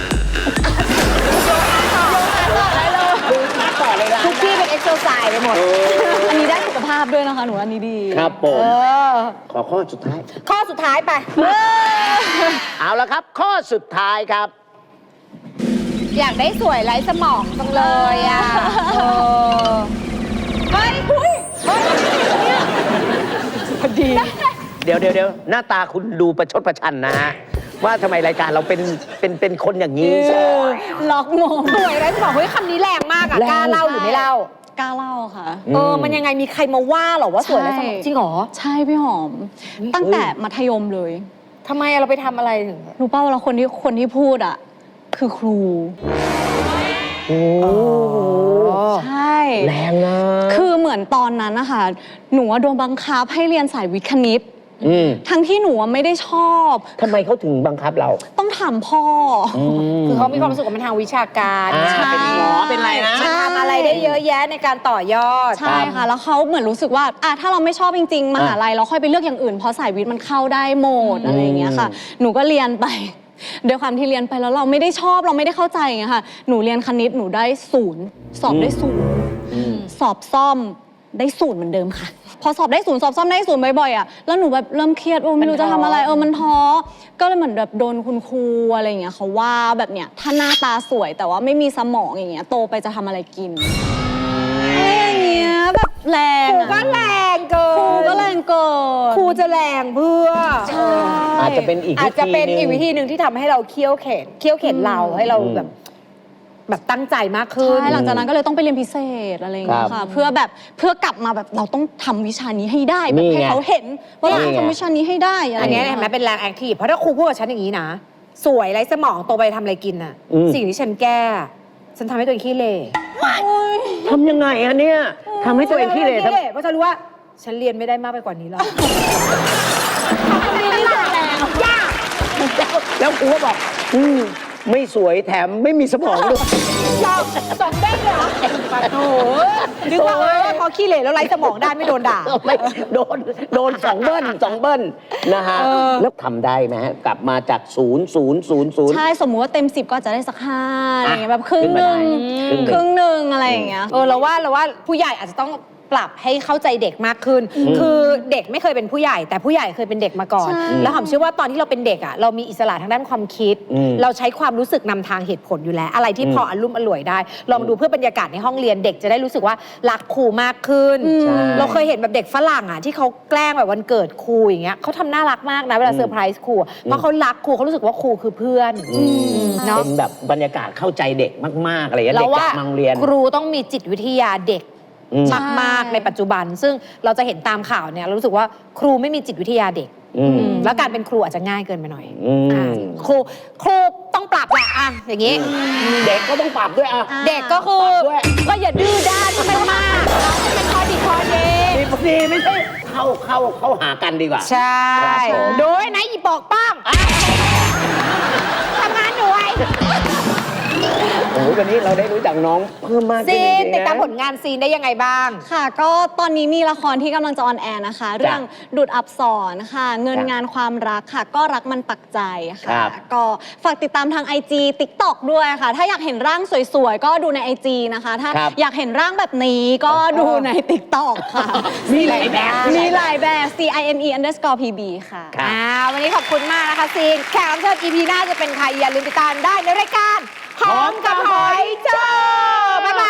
Speaker 2: ดูมาต่อเลยนะ
Speaker 3: ทุกที่เป็นเอ็กซ์โซไซส์ไปหมด
Speaker 1: อันนี้ได้สุขภาพด้วยนะคะหนูอันนี้ดี
Speaker 2: ครับผ
Speaker 3: เอ
Speaker 2: ม
Speaker 3: อ
Speaker 2: ขอข้อสุดท้าย
Speaker 3: ข้อสุดท้ายไป
Speaker 2: เอาละครับ ข้อสุดท้ายครับ
Speaker 3: อยากได้สวยไร้สมองจังเลยอ่ะเออเฮ้ยเฮ้ยเฮ้ยเนี่ย
Speaker 1: พอดี
Speaker 2: เดี๋ยวเดี๋ยวเดี๋ยวหน้าตาคุณดูประชดประชันนะฮะ ว่าทำไมรายการเราเป็นเป็นเป็นคนอย่างนี้
Speaker 1: ล็อกมง
Speaker 3: สวยไร้สมองเฮ้ยคำนี้แรงมากอ่ะ
Speaker 2: แรง
Speaker 3: กล้าเล่าหรือไม่เล่า
Speaker 1: กล้าเล่าค่ะ
Speaker 3: เออ มันยังไงมีใครมาว่าเหรอว่าสวยไร้สมอง
Speaker 1: ใช่
Speaker 3: จริงเหรอ
Speaker 1: ใช่พี่หอม ตั้งแต่มัธยมเลย
Speaker 3: ทำไมเราไปทำอะไรถึง
Speaker 1: รู้ป่าวว่าคนที่คนที่พูดอ่ะ คือครู
Speaker 2: โอ้
Speaker 1: ใช่
Speaker 2: แรงนะ
Speaker 1: คือเหมือนตอนนั้นนะคะหนูว่าโดนบังคับให้เรียนสายวิทย์คณิต
Speaker 2: อืม
Speaker 1: ทั้งที่หนูอะไม่ได้ชอบ
Speaker 2: ทำไมเขาถึงบังคับเรา
Speaker 1: ต้องถามพ่ออ
Speaker 3: คือเขามีความรู้สึกว่ามันทางวิชาการ
Speaker 2: อ่า
Speaker 1: ใช่
Speaker 2: เป็นหมอเป็นอะไรนะ
Speaker 3: มันทำอะไรได้เยอะแยะในการต่อยอด
Speaker 1: ใช่ค่ะ แล้วเขาเหมือนรู้สึกว่าอ่ะถ้าเราไม่ชอบจริง ๆ มหาลัยเราค่อยไปเลือกอย่างอื่น เพราะสายวิทย์มันเข้าได้หมดอะไรอย่างเงี้ยค่ะ หนูก็เรียนไป ด้วยความที่เรียนไปแล้วเราไม่ได้ชอบเราไม่ได้เข้าใจอย่างเงี้ยค่ะ หนูเรียนคณิตหนูได้ศูนย์สอบได้ศูนย์สอบซ่อมได้ศูนย์เหมือนเดิมค่ะ พอสอบได้ศูนย์สอบซ่อมได้ศูนย์บ่อยๆอ่ะแล้วหนูแบบเริ่มเครียดโอ้ไม่รู้จะทำอะไรเออมันท้อก็เลยเหมือนแบบโดนคุณครูอะไรอย่างเงี้ยเขาว่าแบบเนี้ยถ้าหน้าตาสวยแต่ว่าไม่มีสมองอย่างเงี้ยโตไปจะทำอะไรกินอะไรอย่างเงี้ยแบบแรง
Speaker 3: ครู
Speaker 1: อะ
Speaker 3: ก็แรงเกิน
Speaker 1: ครูก็แรงเกิน
Speaker 3: ครูจะแรงเพื่อ
Speaker 1: ใช่
Speaker 2: อาจจะเป็นอีก
Speaker 3: อาจจะเป็นอีกวิ
Speaker 2: ธี
Speaker 3: ธีหนึ่งที่ทำให้เราเคี่ยวเข็นเคี่ยวเข็นเราให้เราแบบ แบบตั้งใจมากขึ้น
Speaker 1: ใช่หลังจากนั้นก็เลยต้องไปเรียนพิเศษอะไรอย่างเงี้ย
Speaker 2: ครั
Speaker 1: ค่ะ
Speaker 2: บ
Speaker 1: เพื่อแบบเพื่อกลับมาแบบเราต้องทำวิชานี้ให้ได้แบบ
Speaker 2: นี่ไง
Speaker 1: ให้เขาเห็นว่าเรา
Speaker 2: นี่ไง
Speaker 1: ทำวิชานี้ให้ได้อะไร
Speaker 3: อัน
Speaker 1: อ
Speaker 3: เนี้
Speaker 1: ย่าย ง
Speaker 3: เห็นไหม
Speaker 1: เงี้ย
Speaker 3: เป็นแรงแอคทีฟเพราะถ้าครูพูดกับฉันอย่างนี้นะ สวยไร้สมองโตไปทำอะไรกินน่ะ
Speaker 2: อืม
Speaker 3: สิ่งที่ฉันแก้ ฉันทำให้ตัวเองขี้เหร่
Speaker 2: ทำยังไงอะเนี่ยทำให้ตัวเองขี้เหร่ทำ
Speaker 3: เพราะฉันรู้ว่า ฉันเรียนไม่ได้มากไปกว่านี้แล้วไม่ได้แรงยาก
Speaker 2: แล้วครูก็บอกอืมไม่สวยแถมไม่มีสมองด้วย
Speaker 3: เราสองเด้งเลยเหรอปะโถนึกว่าเออพอขี้เหร่แล้วไร้สมองได้ไม่โดนด่า
Speaker 2: ไม่โดนโดนสองเบิ้ลสองเบิ้ลนะฮะ
Speaker 3: เออ
Speaker 2: แล้วทำได้ไหมฮะกลับมาจากศูนย์ศูนย์ศูนย์ศูนย์
Speaker 1: ใช่สมมุติว่าเต็มสิบก็อาจจะได้สักห้าอะไรอย่างเงี้ยแบบครึ่ง
Speaker 2: ขึ้น
Speaker 1: ห
Speaker 2: มา
Speaker 1: นึ่ง
Speaker 2: ได้
Speaker 1: ครึ่งหนึ่งอะไรอย่างเงี้ย
Speaker 3: เออเราว่าเราว่าผู้ใหญ่อาจจะต้องปรับให้เข้าใจเด็กมากขึ้น คือเด็กไม่เคยเป็นผู้ใหญ่ แต่ผู้ใหญ่เคยเป็นเด็กมาก่อน
Speaker 1: ใช่
Speaker 3: แล้วหอมเชื่อว่าตอนที่เราเป็นเด็กอ่ะเรามีอิสระทางด้านความคิด
Speaker 2: อืม
Speaker 3: เราใช้ความรู้สึกนำทางเหตุผลอยู่แล้ว อะไรที่พออรุ่มอร่วยได้ ลองดูเพื่อบรรยากาศในห้องเรียนเด็กจะได้รู้สึกว่ารักครูมากขึ้น
Speaker 2: ใช่
Speaker 3: เราเคยเห็นแบบเด็กฝรั่งอ่ะที่เขาแกล้งแบบวันเกิดครูอย่างเงี้ยเขาทำน่ารักมากนะเวลาเซอร์ไพรส์ครูเพราะเขารักครูเขารู้สึกว่าครูคือเพื่อนเนาะ
Speaker 2: เป็นแบบบรรยากาศเข้าใจเด็กมากๆอะไรอย่างเงี้ย
Speaker 3: เรา
Speaker 2: เด็กก
Speaker 3: ว่า
Speaker 2: ลับมาโรงเรียน
Speaker 3: ครูต้องมีจิตวิทยาเด็ก
Speaker 2: อืม
Speaker 3: มากๆในปัจจุบัน ซึ่งเราจะเห็นตามข่าวเนี่ยเรารู้สึกว่าครูไม่มีจิตวิทยาเด็ก
Speaker 2: อืม
Speaker 3: อืมแล้วการเป็นครูอาจจะง่ายเกินไปหน่อย
Speaker 2: อืม
Speaker 3: อ่าครูครูต้องปรับแหละอ่ะอย่างนี้
Speaker 2: เด็กก็ต้องปรับด้วยอ่ะ
Speaker 3: เด็กก็คือ
Speaker 2: ปรับด้วย
Speaker 3: ก็อย่าดื้อด้านให้มันมากให้มันคอดีคอเด
Speaker 2: มีพอดีไม่ใช่เข้าเข้าเข้าหากันดีกว่า
Speaker 3: ใช่
Speaker 2: ครับผม
Speaker 3: โดยนะอีปอกป้องทำงานหน่วย
Speaker 2: โอ้โหวันนี้เราได้รู้จักน้องเพิ่มมากขึ้น
Speaker 3: ซี
Speaker 2: จ
Speaker 3: น
Speaker 2: ริงๆ
Speaker 3: ติดตาม
Speaker 2: นะ
Speaker 3: ผลงานซีนได้ยังไงบ้าง
Speaker 1: ค่ะ ก็ตอนนี้มีละครที่กำลังจะออนแอร์นะคะ เรื่องดูดอับสรค่ะ เงินงานความรักค่ะ ก็รักมันปักใจ
Speaker 2: ครั
Speaker 1: ค่ะ
Speaker 2: บ
Speaker 1: ก็ฝากติดตามทาง ไอ จี TikTok ด้วยค่ะ ถ้าอยากเห็นร่างสวยๆ ก็ดูใน ไอ จี นะคะ ถ้า
Speaker 2: ครับ
Speaker 1: อยากเห็นร่างแบบนี้ก็ดูใน TikTok ค่ะ
Speaker 2: มีหลายแบบ
Speaker 1: มีหลายแบบ C I N E underscore P B ค่ะ
Speaker 2: ครับ
Speaker 3: อ่าวันนี้ขอบคุณมากนะคะซีนแขกรับเชิญ อี พี หน้าจะเป็นใครอย่าลืมติดตามได้ในรายการหอมกับหอยเจ้าบ๊ายบาย